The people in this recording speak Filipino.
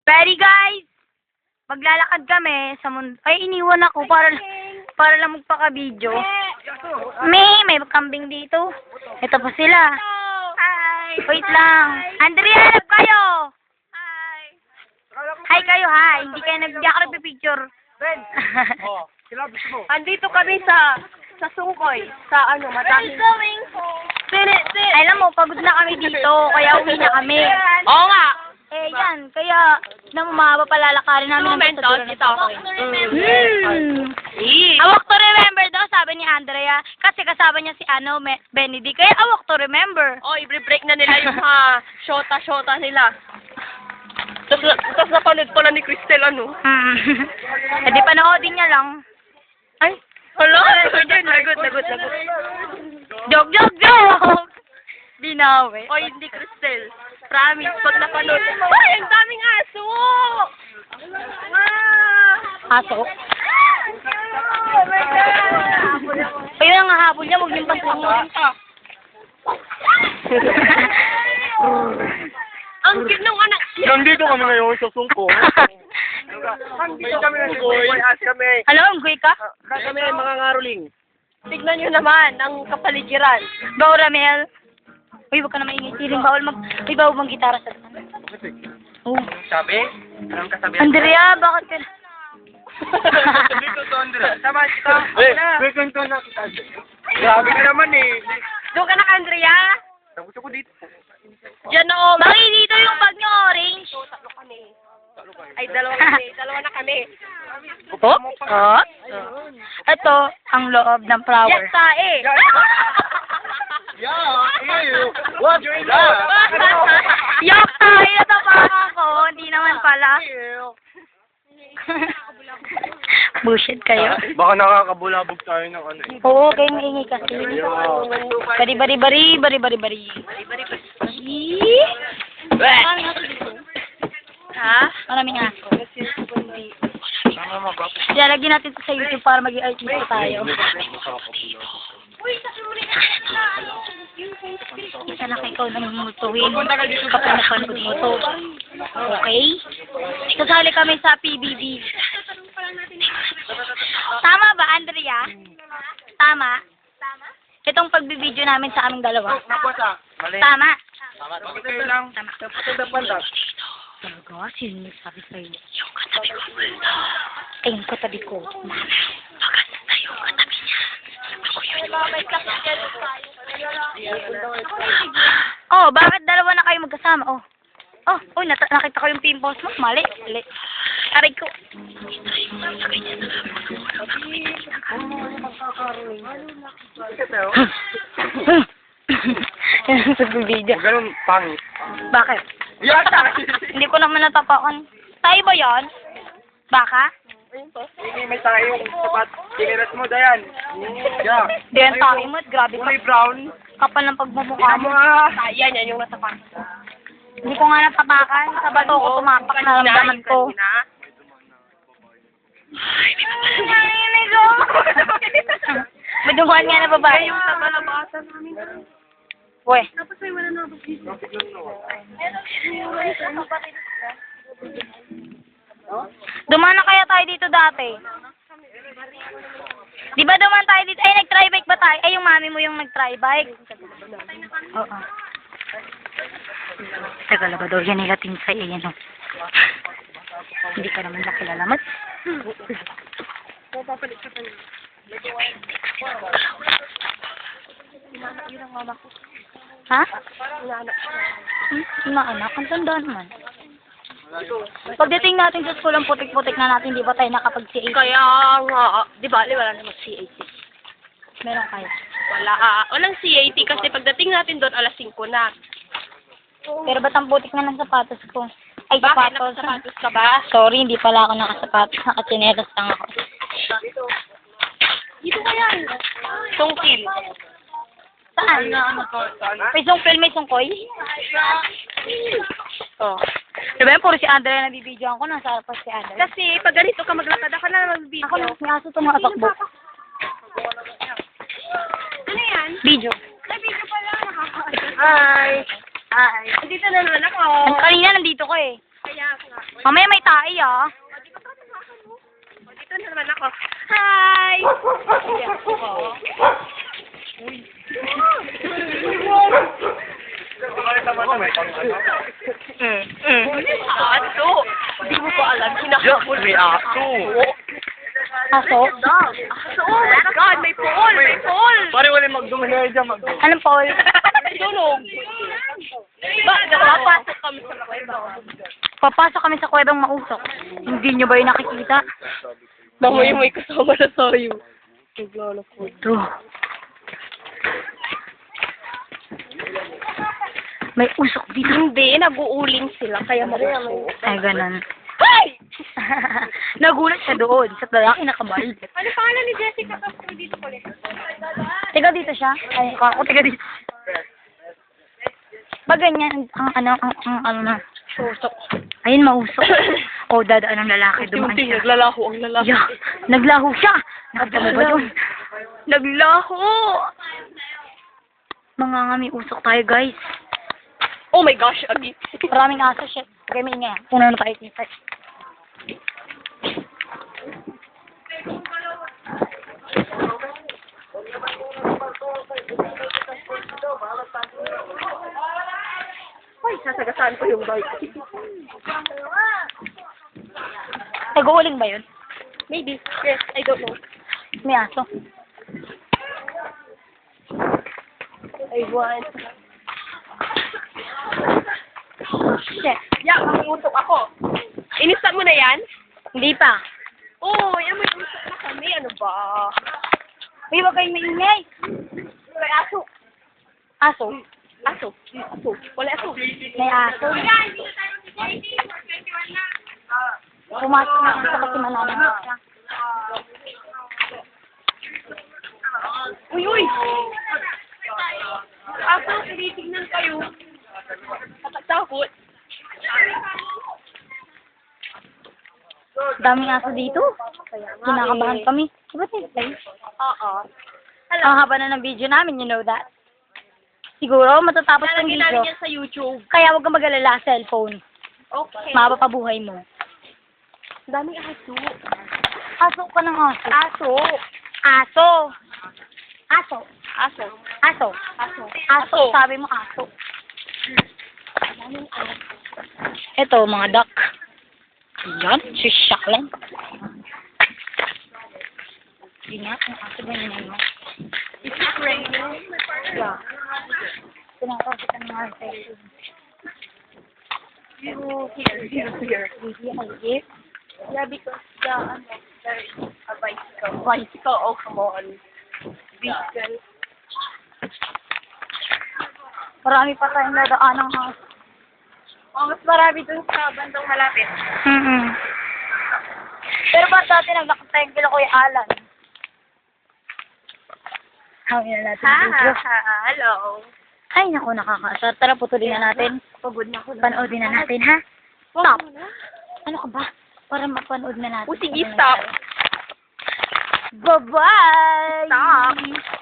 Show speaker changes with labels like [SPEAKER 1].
[SPEAKER 1] Ready guys? Maglalakad kami sa mundo. Ay, iniwan ako para lang magpaka-video. May kambing dito. Ito pa sila.
[SPEAKER 2] Hi!
[SPEAKER 1] Wait lang. Andrea, hanap kayo!
[SPEAKER 2] Hi!
[SPEAKER 1] Hi kayo, hi. Hindi kayo nagpipicture.
[SPEAKER 2] Ben!
[SPEAKER 3] Oh, kilabis mo.
[SPEAKER 2] Andito kami sa Sungkoy. Sa madaming...
[SPEAKER 1] Alam mo, pagod na kami dito, kaya uwi na kami.
[SPEAKER 2] Oo nga!
[SPEAKER 1] Eh, yan. Kaya, mahaba palalakarin namin.
[SPEAKER 2] Momentos, ito.
[SPEAKER 1] Awak to remember daw, sabi ni Andrea. Kasi kasama niya si Benedict. Kaya awak to remember.
[SPEAKER 2] Oh, i-break na nila yung mga shota nila. Tapos napanood pala ni Cristel,
[SPEAKER 1] Eh, di panoodin niya lang.
[SPEAKER 2] Ay, hala! Lagot.
[SPEAKER 1] Joke! Binawi.
[SPEAKER 2] O, hindi Cristel. Promise, pag napanood. Ay, ang daming aso!
[SPEAKER 1] Aso. Ayun ang habol niya, huwag niyong pansinin.
[SPEAKER 2] Ang cute ng anak niya.
[SPEAKER 3] Nandito kami ngayon sa Sungko. May kami na kami.
[SPEAKER 1] Hello, unggoy ka?
[SPEAKER 3] Kami ay mga ngaruling.
[SPEAKER 2] Tignan nyo naman ang kapaligiran.
[SPEAKER 1] Go, Ramel. Uy, huwag ka na maingay. Siling may bawal mang gitara sa tanan. Oh.
[SPEAKER 3] Sabi? Anong kasabi?
[SPEAKER 1] Andrea, bakit ka
[SPEAKER 3] Dito to, Andrea. Sama kita. Second to na kita. Grabe ka naman eh.
[SPEAKER 2] Doon ka na, Andrea.
[SPEAKER 3] Tapos ako dito.
[SPEAKER 2] Diyan na,
[SPEAKER 1] Bakit dito yung bag niyo orange?
[SPEAKER 2] Tatlo kami. Ay, dalawa kami. Dalawa na kami.
[SPEAKER 1] Oh? Ito, ang loob ng flower.
[SPEAKER 2] Yes, tae.
[SPEAKER 3] Yeah, ew. What?
[SPEAKER 1] Yok, tayo natapakan ko. Hindi naman pala. Bullshit kayo.
[SPEAKER 3] Baka nakakabulabog tayo ng ano eh.
[SPEAKER 1] Oo, kayo maingay kasi. Bari.
[SPEAKER 2] Ha?
[SPEAKER 1] Maraming aso. Lalagyan natin ito sa YouTube para maging artista tayo. Isa na ikaw namumutuin kapag napanood mo to. Okay? Kasali kami sa PBB. Tama ba, Andrea? Tama? Itong pagbibideo namin sa aming dalawa.
[SPEAKER 3] Mali.
[SPEAKER 1] Tama?
[SPEAKER 3] Bakit kayo lang?
[SPEAKER 1] Tama. Talaga? Sino nagsabi sa'yo? Yung katabi ko. Ay, yung katabi ko. Maganda yung katabi niya. Ako yun. Oh, bakit dalawa na kayo magkasama? Oh, nakita ko yung pimples mo. Mali. Aray ko. Sa video.
[SPEAKER 3] Ganun, pangit.
[SPEAKER 1] Bakit?
[SPEAKER 3] Yata!
[SPEAKER 1] Hindi ko naman natapakan. Tayo ba yan? Baka?
[SPEAKER 3] May tayong sapat. Tinirat mo, Dayan. Yeah.
[SPEAKER 1] Diyan tayo mo. Grabe ka.
[SPEAKER 3] Kulay brown.
[SPEAKER 1] Kapal ng pagmumukha mo.
[SPEAKER 2] Yan yung nasa pa.
[SPEAKER 1] Hindi ko nga natapakan. Sa bato ko tumapak na ramdaman ko. Ay, ko. Madunguan nga na babae.
[SPEAKER 2] Yung sa balabasan namin.
[SPEAKER 1] Uy.
[SPEAKER 2] Tapos may wala na ako dito.
[SPEAKER 1] Dumaan na kaya tayo dito dati? Di ba dumaan tayo dito? Ay, nag-try bike ba tayo? Ay, yung mami mo yung nag-try bike. Oo. Teka, ba daw yan nila tinsay. Ayan o. Hindi ka naman nakilala.
[SPEAKER 2] Papapalit ka pa niya. Yun ang mama ko.
[SPEAKER 1] Ha?
[SPEAKER 2] Inaanak siya.
[SPEAKER 1] Inaanak? Ang tanda naman. Pagdating natin sa school, ang putik-putik na natin, di ba tayo nakapag-CAC?
[SPEAKER 2] Kaya nga, di ba, wala namang CAT.
[SPEAKER 1] Meron kayo.
[SPEAKER 2] Walang CAT kasi pagdating natin doon, alas 5 na.
[SPEAKER 1] Pero ba't ang putik na ng sapatos ko? Ay,
[SPEAKER 2] Bakit?
[SPEAKER 1] sapatos.
[SPEAKER 2] Nakasapatos ka ba?
[SPEAKER 1] Sorry, hindi pala ako nakasapatos. Nakatsinelas lang ako.
[SPEAKER 2] Dito ka yan. Tungkil.
[SPEAKER 1] Saan? May sungkil, may sungkoy?
[SPEAKER 2] Oh.
[SPEAKER 1] Diba yan, puro si Andrea na bibidyoan ko. Nasa harapan si Andrea.
[SPEAKER 2] Kasi pag ganito ka maglakad, ako na mag-video.
[SPEAKER 1] Ako na, may aso tumatakbo.
[SPEAKER 2] Ano yan?
[SPEAKER 1] Video.
[SPEAKER 2] Ay, video pala. Hi. Dito na naman ako.
[SPEAKER 1] Kanina nandito ko eh.
[SPEAKER 2] Kaya nga.
[SPEAKER 1] Mamaya may tae, ah.
[SPEAKER 2] O, dito na naman ako. Hi! Aso! Hindi mo pa alam, hinahabol.
[SPEAKER 3] May aso.
[SPEAKER 1] Aso?
[SPEAKER 2] Aso! Oh my God! May pool! May pool!
[SPEAKER 3] Pare, wala magdumali dyan,
[SPEAKER 1] Anong Paul?
[SPEAKER 2] Tulog! Ba, napapasok kami sa kuweba.
[SPEAKER 1] Papasok kami sa kuwebang mausok. Hindi nyo ba yung nakikita?
[SPEAKER 2] Mamaya may kasama na tayo. Naglalakot.
[SPEAKER 1] Ito. May usok dito.
[SPEAKER 2] Hindi, nag-uuling sila, kaya mausok.
[SPEAKER 1] Ay, ganun.
[SPEAKER 2] Hi!
[SPEAKER 1] Nagulat siya doon sa lalaki na kabalik.
[SPEAKER 2] Ano pangalan ni Jessica Castro dito pala?
[SPEAKER 1] Tiga dito siya. Ay, ako tiga dito. Pag ganyan, ang ano na.
[SPEAKER 2] Usok.
[SPEAKER 1] Ayun, mausok. O, dadaan ng lalaki. Dumaan
[SPEAKER 2] Unti-unti,
[SPEAKER 1] siya.
[SPEAKER 2] naglalaho ang lalaki.
[SPEAKER 1] Yeah, naglaho siya. Nakita mo ba yun?
[SPEAKER 2] Naglaho!
[SPEAKER 1] Mga ngami usok tayo, guys.
[SPEAKER 2] Oh my gosh, Abi.
[SPEAKER 1] Maraming aso, shit. Okay, may ingay. Puno na tayo kita.
[SPEAKER 2] Ay, sasagasaan ko yung bike.
[SPEAKER 1] Nag-uuling ba yun?
[SPEAKER 2] Maybe. Yes, I don't know.
[SPEAKER 1] May aso.
[SPEAKER 2] I want.
[SPEAKER 1] Shit.
[SPEAKER 2] Yeah, mamutok ako. Inista mo na yan?
[SPEAKER 1] Hindi pa.
[SPEAKER 2] Oo, yan may usok na kami. Ano ba?
[SPEAKER 1] Uy, wag kayong maingay.
[SPEAKER 2] May aso.
[SPEAKER 1] Aso?
[SPEAKER 2] Aso. Aso. Wala aso.
[SPEAKER 1] May aso. Pumasok na sa kasimanan siya.
[SPEAKER 2] Uy, uy! Aso, tinitignan kayo. Takot.
[SPEAKER 1] Daming aso dito. Kinakabahan kami. Ba't nag-play?
[SPEAKER 2] Oo.
[SPEAKER 1] Ang haba na ng video namin, you know that. Siguro, matatapos ng
[SPEAKER 2] Lalagyan namin
[SPEAKER 1] video.
[SPEAKER 2] yan sa YouTube.
[SPEAKER 1] Kaya huwag kang mag-alala, cellphone.
[SPEAKER 2] Okay.
[SPEAKER 1] Mahaba pa buhay mo.
[SPEAKER 2] Daming aso.
[SPEAKER 1] Aso ka ng aso.
[SPEAKER 2] Aso.
[SPEAKER 1] Aso. Aso.
[SPEAKER 2] Aso.
[SPEAKER 1] Aso.
[SPEAKER 2] Aso.
[SPEAKER 1] Aso. Sabi mo aso. Ito, mga duck. Yan, sisyak lang. Hindi nga, ang aso ganyan mo.
[SPEAKER 2] Is it raining?
[SPEAKER 1] Yeah. Pinakapitan mga session.
[SPEAKER 2] Here.
[SPEAKER 1] Hindi, halip.
[SPEAKER 2] Yeah, because there is a bicycle. Bicycle, oh come on. Vehicle.
[SPEAKER 1] Marami pa tayong nadaan ng aso.
[SPEAKER 2] Oh, mas marami dun sa bandang malapit.
[SPEAKER 1] Pero ba dati naglakatay kila Kuya Alan? Hawin na natin yung video.
[SPEAKER 2] Hello.
[SPEAKER 1] Ay, naku, nakakaasar. Tara, putulin na natin.
[SPEAKER 2] Pagod na ako.
[SPEAKER 1] Panoodin na natin, ha? Stop. Ano ka ba? Para mapanood na natin.
[SPEAKER 2] Oh, sige, stop.
[SPEAKER 1] Bye-bye!
[SPEAKER 2] Stop.